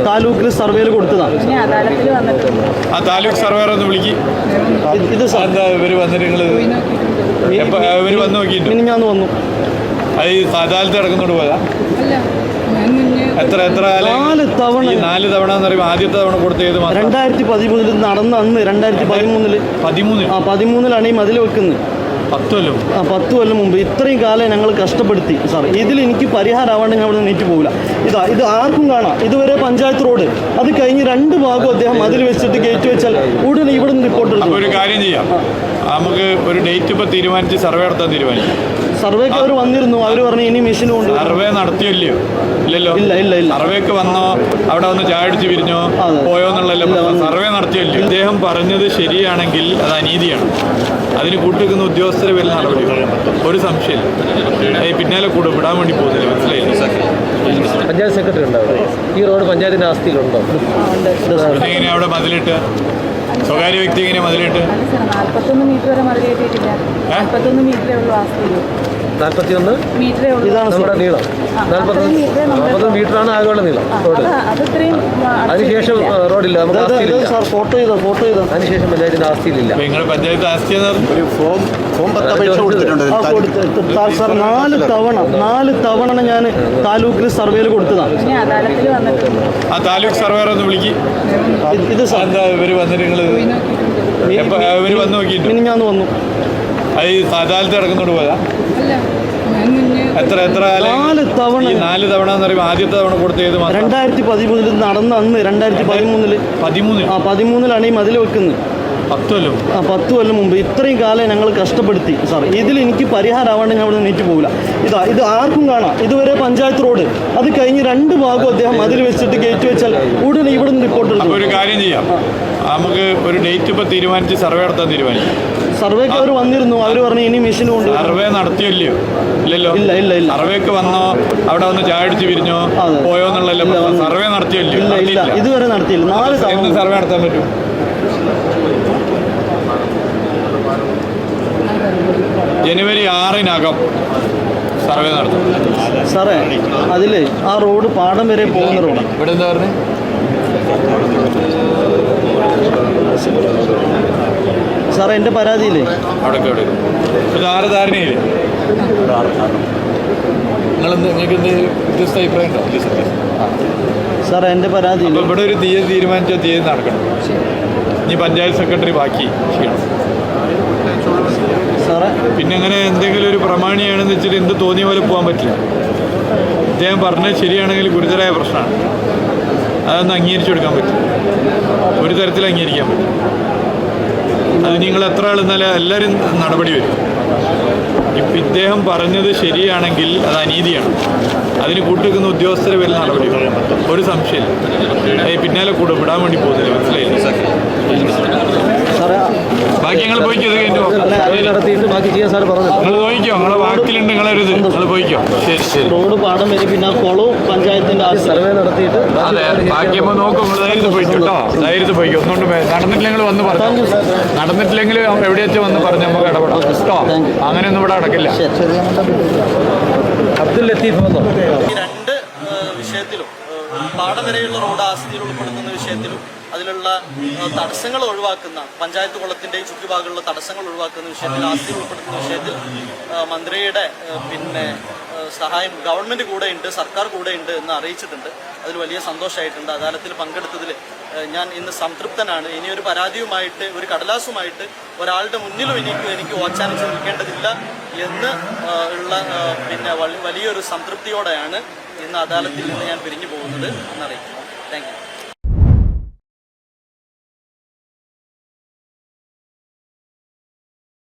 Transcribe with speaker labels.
Speaker 1: താലൂക്കിൽ സർവേയിൽ കൊടുത്തതാണ്.
Speaker 2: ആ താലൂക്ക് സർവേർ ഒന്ന് വിളിക്കും.
Speaker 1: ഇത്
Speaker 2: ഇവർ വന്നിട്ട് നിങ്ങൾ ഇവർ വന്ന് നോക്കിയിട്ട്
Speaker 1: ഞാൻ വന്നു.
Speaker 2: അത് ഈ അദാലത്ത് കിടക്കുന്നോട് പോയതാ? എത്ര 4 തവണ എന്ന് പറയുമ്പോൾ ആദ്യത്തെ തവണ കൊടുത്ത ഏത്
Speaker 1: 2013 നടന്ന അന്ന് 2013 ഈ മതിൽ വെക്കുന്നത്. 10 കൊല്ലം മുമ്പ്. ഇത്രയും കാലം ഞങ്ങൾ കഷ്ടപ്പെടുത്തി സാർ. ഇതിൽ എനിക്ക് പരിഹാരമാവാണ്ട് ഞാൻ അവിടെ നീറ്റ് പോകില്ല. ഇത് ആർക്കും കാണാം. ഇതുവരെ പഞ്ചായത്ത് റോഡ്, അത് കഴിഞ്ഞ് 2 ഭാഗവും അദ്ദേഹം അതിൽ വെച്ചിട്ട് ഗേറ്റ് വെച്ചാൽ ഉടനെ ഇവിടെ നിന്ന് റിപ്പോർട്ട് എടുക്കും.
Speaker 2: ഒരു കാര്യം ചെയ്യാം, നമുക്ക് ഒരു ഡേറ്റ് ഇപ്പോൾ തീരുമാനിച്ച് സർവേ നടത്താൻ തീരുമാനിക്കും.
Speaker 1: സർവേക്ക് അവർ വന്നിരുന്നു. അവർ പറഞ്ഞു ഇനി മെഷീൻ കൊണ്ട്.
Speaker 2: സർവേ നടത്തിയല്ലോ? ഇല്ലല്ലോ.
Speaker 1: ഇല്ല.
Speaker 2: സർവേക്ക് വന്നോ, അവിടെ വന്ന് ചായ അടിച്ച് പിരിഞ്ഞോ പോയോ എന്നുള്ളല്ലോ. സർവേ നടത്തിയല്ലോ. ഇദ്ദേഹം പറഞ്ഞത് ശരിയാണെങ്കിൽ അത് അനീതിയാണ്. അതിന് കൂട്ടുവെക്കുന്ന ഉദ്യോഗസ്ഥരെ വല്ല നടപടി ഒരു സംശയമില്ല. പിന്നാലെ കൂടെ വിടാൻ വേണ്ടി പോകുന്നില്ല. മനസ്സിലായില്ല?
Speaker 3: പഞ്ചായത്ത് സെക്രട്ടറി ഉണ്ടാവും. ഈ റോഡ് പഞ്ചായത്തിന്റെ ആസ്തിയിലുണ്ടോ?
Speaker 2: എങ്ങനെയാ അവിടെ മതിലിട്ട്? സ്വകാര്യ വ്യക്തി എങ്ങനെ മതിലിട്ട്?
Speaker 4: 41 മീറ്റർ വരെ മതിൽ കെട്ടിയിട്ടില്ല. 41 മീറ്ററേ ഉള്ളൂ ആസ്തിയിൽ.
Speaker 3: 41
Speaker 4: മീറ്ററേ ഉള്ളൂ.
Speaker 3: ഇതാണ് നമ്മുടെ നീളം. 40 മീറ്ററാണ് ആകെയുള്ള നീളം റോഡ്. അതിനുശേഷം റോഡില്ല, നമുക്ക് ആസ്തിയിലില്ല.
Speaker 1: ഫോട്ടോ ചെയ്തോ.
Speaker 3: അതിനുശേഷം പഞ്ചായത്തിന്റെ ആസ്തിയിലില്ല.
Speaker 2: നിങ്ങൾ പഞ്ചായത്ത് ആസ്തി
Speaker 5: ഒരു ഫോം കൊടുത്തിട്ടുണ്ട്.
Speaker 1: സാർ 4 തവണ ഞാൻ താലൂക്കിൽ സർവേയിൽ കൊടുത്തതാണ്.
Speaker 2: ആ താലൂക്ക് സർവേർ ഒന്ന് വിളിക്കും.
Speaker 1: ഇത്
Speaker 2: ഇവർ വന്നിട്ട് നിങ്ങൾ ഇവർ വന്ന് നോക്കിയിട്ട്
Speaker 1: ഞാൻ വന്നു.
Speaker 2: അത് ഈ അദാലത്ത് കിടക്കുന്നോട് പോയതാ? എത്ര 4 തവണ എന്ന് പറയുമ്പോൾ ആദ്യത്തെ തവണ കൊടുത്ത ഏത്
Speaker 1: 2013 നടന്ന അന്ന് 2013 ഈ മതിൽ വെക്കുന്നത്. 10 കൊല്ലം മുമ്പ്. ഇത്രയും കാലം ഞങ്ങൾ കഷ്ടപ്പെടുത്തി സാർ. ഇതിൽ എനിക്ക് പരിഹാരമാവാണ്ട് ഞാൻ അവിടെ നീറ്റ് പോകില്ല. ഇത് ആർക്കും കാണാം. ഇതുവരെ പഞ്ചായത്ത് റോഡ്, അത് കഴിഞ്ഞ് 2 ഭാഗവും അദ്ദേഹം അതിൽ വെച്ചിട്ട് ഗേറ്റ് വെച്ചാൽ ഉടനെ ഇവിടെ നിന്ന് റിപ്പോർട്ട് എടുക്കും.
Speaker 2: ഒരു കാര്യം ചെയ്യാം, നമുക്ക് ഒരു ഡേറ്റ് ഇപ്പോൾ തീരുമാനിച്ച് സർവേ നടത്താൻ തീരുമാനിക്കും.
Speaker 1: സർവേക്ക് അവർ വന്നിരുന്നു. അവർ പറഞ്ഞു ഇനി മെഷീൻ കൊണ്ട്.
Speaker 2: സർവേ നടത്തിയല്ലോ? ഇല്ലല്ലോ. സർവേക്ക് വന്നോ, അവിടെ വന്ന് ചായ അടിച്ച് പിരിഞ്ഞോ പോയോ എന്നുള്ളല്ലോ. സർവേ നടത്തിയല്ലോ?
Speaker 1: ഇതുവരെ നടത്തിയില്ല. 4 തവണ
Speaker 2: സർവേ നടത്താൻ പറ്റും. ജനുവരി 6-നകം സർവേ നടത്തും
Speaker 1: സാറേ. അതിൽ ആ റോഡ് പാടം വരെ പോകുന്ന റോഡാണ്.
Speaker 2: ഇവിടെ എന്താ പറഞ്ഞത്?
Speaker 1: സാറേ എൻ്റെ പരാതിയില്ലേ
Speaker 2: അവിടെ ധാരണയില്ലേ? നിങ്ങൾക്ക് എന്ത് വ്യത്യസ്ത അഭിപ്രായം ഉണ്ടോ?
Speaker 1: സാറേ എൻ്റെ പരാതിയിൽ
Speaker 2: ഇവിടെ ഒരു തീയതി തീരുമാനിച്ച തീയതി നടക്കണം. ഇനി പഞ്ചായത്ത് സെക്രട്ടറി ബാക്കി ചെയ്യണം
Speaker 1: സാറേ.
Speaker 2: പിന്നെ അങ്ങനെ എന്തെങ്കിലും ഒരു പ്രമാണിയാണെന്ന് വെച്ചിട്ട് എന്ത് തോന്നിയ പോലെ പോകാൻ പറ്റില്ല. അദ്ദേഹം പറഞ്ഞത് ശരിയാണെങ്കിൽ ഗുരുതരമായ പ്രശ്നമാണ്. അതൊന്നും അംഗീകരിച്ചു കൊടുക്കാൻ പറ്റില്ല. ഒരു തരത്തിൽ അംഗീകരിക്കാൻ പറ്റും. അത് നിങ്ങൾ എത്ര ആൾ എന്നാലും എല്ലാവരും നടപടി വരും. ഇപ്പം ഇദ്ദേഹം പറഞ്ഞത് ശരിയാണെങ്കിൽ അത് അനീതിയാണ്. അതിന് കൂട്ടുവെക്കുന്ന ഉദ്യോഗസ്ഥരെ വല്ല നടപടി ഒരു സംശയമില്ല. പിന്നാലെ കൂടെ വിടാൻ വേണ്ടി പോകുന്നില്ല. മനസ്സിലായില്ല? ബാക്കി ഞങ്ങൾ പോയിക്കോ.
Speaker 3: നടത്തിയിട്ട് ബാക്കി ചെയ്യാൻ സാർ പറഞ്ഞു.
Speaker 2: നിങ്ങൾ പോയിക്കോ. നിങ്ങളെ വാക്കിലുണ്ട്, നിങ്ങളരുത്. നിങ്ങൾ പോയിക്കോ. ശരി.
Speaker 1: റോഡ് പാടം വരെ പിന്നെ കുളവും പഞ്ചായത്തിന്റെ
Speaker 3: സർവേ നടത്തിയിട്ട്
Speaker 2: ബാക്കിയപ്പോൾ നോക്കും. നിങ്ങൾ ധൈര്യത്തിൽ പോയിക്കോ കേട്ടോ. ധൈര്യത്തിൽ പോയിക്കോ. ഒന്നുകൊണ്ട് നടന്നിട്ടില്ലെങ്കിൽ വന്ന് പറഞ്ഞു. നടന്നിട്ടില്ലെങ്കിൽ എവിടെ വെച്ച് വന്ന് പറഞ്ഞ് നമുക്ക് ഇടപെടാം കേട്ടോ. അങ്ങനെയൊന്നും ഇവിടെ നടക്കില്ല.
Speaker 3: അബ്ദുൽ ലത്തീഫ് വന്നോ?
Speaker 1: ഈ 2 വിഷയത്തിലും പാടം വരെയുള്ള റോഡ് ആസ്തിയിൽ ഉൾപ്പെടുത്തുന്ന വിഷയത്തിലും അതിലുള്ള തടസ്സങ്ങൾ ഒഴിവാക്കുന്ന പഞ്ചായത്ത് കുളത്തിൻ്റെയും ചുറ്റുഭാഗമുള്ള തടസ്സങ്ങൾ ഒഴിവാക്കുന്ന വിഷയത്തിൽ, ആസ്തിയിൽ ഉൾപ്പെടുത്തുന്ന വിഷയത്തിൽ മന്ത്രിയുടെ സഹായം ഗവൺമെൻറ് കൂടെ ഉണ്ട്, സർക്കാർ കൂടെ ഉണ്ട് എന്ന് അറിയിച്ചിട്ടുണ്ട്. അതിൽ വലിയ സന്തോഷമായിട്ടുണ്ട്. അദാലത്തിൽ പങ്കെടുത്തതിൽ ഞാൻ ഇന്ന് സംതൃപ്തനാണ്. ഇനിയൊരു പരാതിയുമായിട്ട്, ഒരു കടലാസുമായിട്ട് ഒരാളുടെ മുന്നിലും എനിക്ക് ഓച്ചാനിച്ച് നിൽക്കേണ്ടതില്ല എന്ന് ഉള്ള വലിയൊരു സംതൃപ്തിയോടെയാണ് ഇന്ന് അദാലത്തിൽ നിന്ന് ഞാൻ പിരിഞ്ഞു പോകുന്നത് എന്നറിയിക്കുന്നു. Thank you.